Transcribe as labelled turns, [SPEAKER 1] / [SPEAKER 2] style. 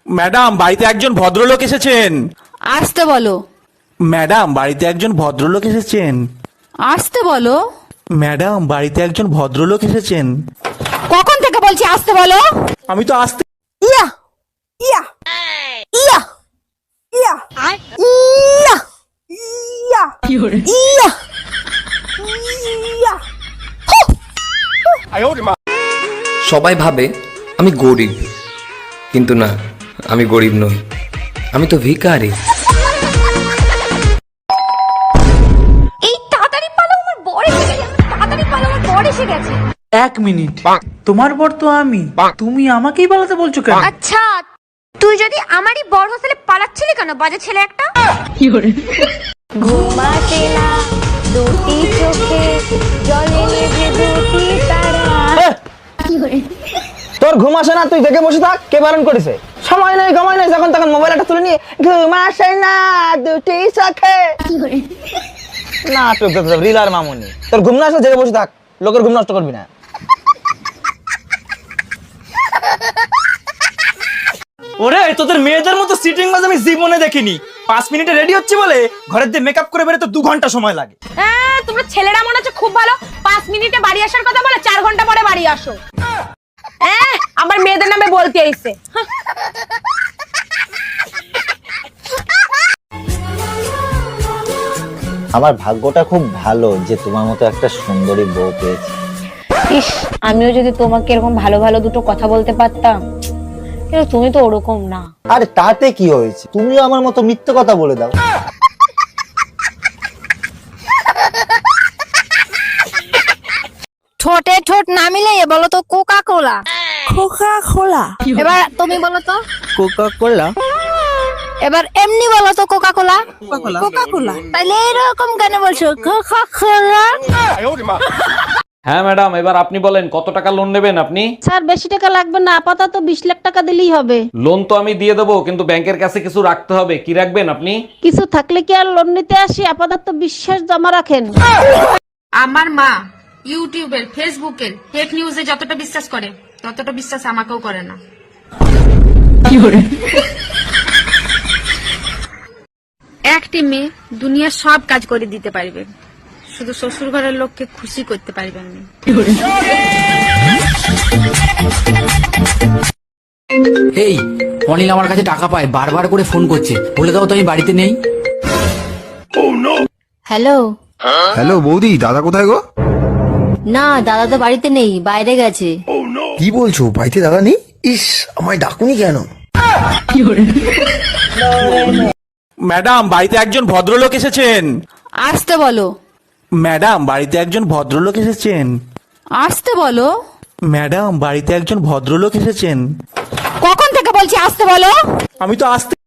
[SPEAKER 1] Madam, বাড়িতে একজন ভদ্রলোক এসেছেন।
[SPEAKER 2] আসতে বলো।
[SPEAKER 1] ম্যাডাম, বাড়িতে একজন ভদ্রলোক এসেছেন।
[SPEAKER 2] আসতে বলো।
[SPEAKER 1] ম্যাডাম, বাড়িতে একজন ভদ্রলোক এসেছেন।
[SPEAKER 2] কখন থেকে বলছি আসতে বলো।
[SPEAKER 1] আমি তো আসতে।
[SPEAKER 2] ইয়া ইয়া ইয়া ইয়া ইয়া ইয়া ইয়া ইয়া।
[SPEAKER 3] সবাই ভাবে আমি গরিব, কিন্তু না, আমি গরিব নই, আমি তো ভিখারি।
[SPEAKER 4] এই তাড়াতাড়ি পালাও, আমার বর এসে গেছে। তাড়াতাড়ি পালাও, আমার বর এসে গেছে।
[SPEAKER 5] 1 মিনিট, তোমার বর তো আমি, তুমি আমাকেই পালাতে বলছো কেন?
[SPEAKER 4] আচ্ছা, তুই যদি আমারই বর হোস্টেলে পালাচ্ছিলি কেন, বাজে ছেলে একটা? ঘুমাতে না দুটি চোখে, জলে নেভে দুটি তারা।
[SPEAKER 6] তোর ঘুম আসে না, তুই দেখে বসে থাক। কে বারণ করেছে? সময় নেই, সময় নেই, যখন তখন মোবাইল একটা তুলে নিয়ে ঘুম আসে না দুটি চোখে না রিলার মামুনি। তোর ঘুম না আসলে জেগে বসে থাক, লোকের ঘুম নষ্ট করবি না। ওরে, তোদের মেয়েদের মতো সিটিং বাজ আমি জীবনে দেখিনি। 5 মিনিটে রেডি হচ্ছে বলে ঘরের দিয়ে মেকআপ করে বেরোতে 2 ঘন্টা সময় লাগে।
[SPEAKER 4] তোমরা ছেলেরা মনে হচ্ছে খুব ভালো, 5 মিনিটে বাড়ি আসার কথা বলে 4 ঘন্টা পরে বাড়ি আসো। আমার মেয়েদের নামে বলতে আইছে।
[SPEAKER 6] আমার ভাগ্যটা খুব ভালো যে তোমার মতো একটা সুন্দরী বউ পেয়েছি।
[SPEAKER 4] ইস, আমিও যদি তোমাকে এরকম ভালো ভালো দুটো কথা বলতে পারতাম, কিন্তু তুমি তো ওরকম না।
[SPEAKER 6] আরে তাতে কি হয়েছে, তুমিও আমার মতো মিথ্যে কথা বলে দাও।
[SPEAKER 2] ঠোঁটে ঠোঁট না মিলে বলো তো কোকা কোলা। কোকা কোলা। এবার তুমি বলো তো
[SPEAKER 6] কোকা কোলা।
[SPEAKER 2] এবার এমনি বলো তো কোকা কোলা। কোকা কোলা। তাহলে এরকম কেন বলছো কোকা কোলা?
[SPEAKER 7] হ্যাঁ ম্যাডাম, এবার আপনি বলেন কত টাকা লোন নেবেন আপনি?
[SPEAKER 8] স্যার বেশি টাকা লাগবে না, আপাতত 20 লাখ টাকা দিলেই হবে।
[SPEAKER 7] লোন তো আমি দিয়ে দেবো, কিন্তু ব্যাংকের কাছে কিছু রাখতে হবে। কি রাখবেন আপনি?
[SPEAKER 8] কিছু থাকলে কি আর লোন নিতে আসি? আপাতত বিশ্বাস জমা রাখেন।
[SPEAKER 9] আমার মা ইউটিউবের, ফেসবুকের ফেক নিউজে যতটা বিশ্বাস করে, ততটা বিশ্বাস আমাকেও করে না। একটি মেয়ে দুনিয়ার সব কাজ করে দিতে পারবে, শুধু শ্বশুর ঘরের লোককে খুশি করতে পারবেন না।
[SPEAKER 10] এই অনিল আমার কাছে টাকা পায়, বারবার করে ফোন করছে, বলে দাও তো আমি বাড়িতে নেই।
[SPEAKER 2] হ্যালো।
[SPEAKER 11] হ্যালো বৌদি, দাদা কোথায় গো?
[SPEAKER 2] না, দাদা তো বাড়িতে নেই, বাইরে গেছে।
[SPEAKER 11] কি বলছো, বাড়িতে দাদা নেই? ইস, আমায় ডাকুনি কেন?
[SPEAKER 1] ম্যাডাম, বাড়িতে একজন ভদ্রলোক এসেছেন।
[SPEAKER 2] আসতে বলো।
[SPEAKER 1] ম্যাডাম, বাড়িতে একজন ভদ্রলোক এসেছেন।
[SPEAKER 2] আসতে বলো।
[SPEAKER 1] ম্যাডাম, বাড়িতে একজন ভদ্রলোক এসেছেন।
[SPEAKER 2] কখন থেকে বলছি আসতে বলো।
[SPEAKER 1] আমি তো আসতে।